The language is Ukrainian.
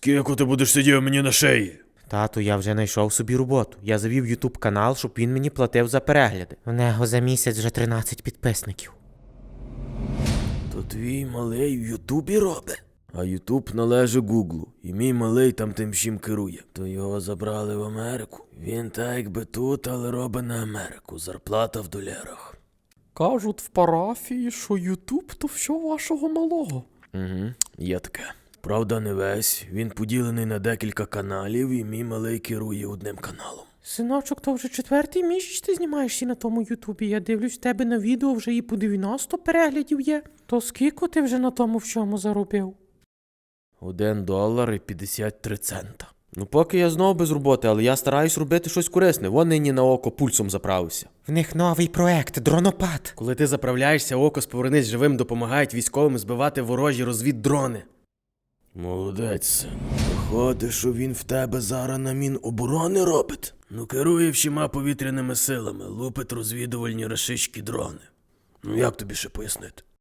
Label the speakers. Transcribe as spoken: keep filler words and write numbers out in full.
Speaker 1: Скільки ти будеш сидіти мені на шиї?
Speaker 2: Тату, я вже знайшов собі роботу. Я завів ютуб канал, щоб він мені платив за перегляди. В нього за місяць вже тринадцять підписників.
Speaker 1: То твій малий в Ютубі робить? А Ютуб належить Гуглу, і мій малий там тим всім керує. То його забрали в Америку. Він так якби тут, але робить на Америку. Зарплата в долярах.
Speaker 3: Кажуть в парафії, що Ютуб то все вашого малого.
Speaker 1: Угу, є таке. Правда, не весь. Він поділений на декілька каналів, і мій малий керує одним каналом.
Speaker 2: Синочок, то вже четвертий місяць ти знімаєшся на тому ютубі. Я дивлюсь, в тебе на відео вже і по дев'яносто переглядів є. То скільки ти вже на тому всьому заробив?
Speaker 1: Один долар і п'ятдесят три цента. Ну поки я знову без роботи, але я стараюсь робити щось корисне. Вон нині на око пульсом заправився.
Speaker 2: В них новий проект – дронопад.
Speaker 1: Коли ти заправляєшся, око з «Повернись живим» допомагають військовим збивати ворожі розвіддрони. Молодець, син. Виходить, що він в тебе зараз на Міноборони робить? Ну керує всіма повітряними силами, лупить розвідувальні рашистські дрони. Ну як тобі ще пояснити?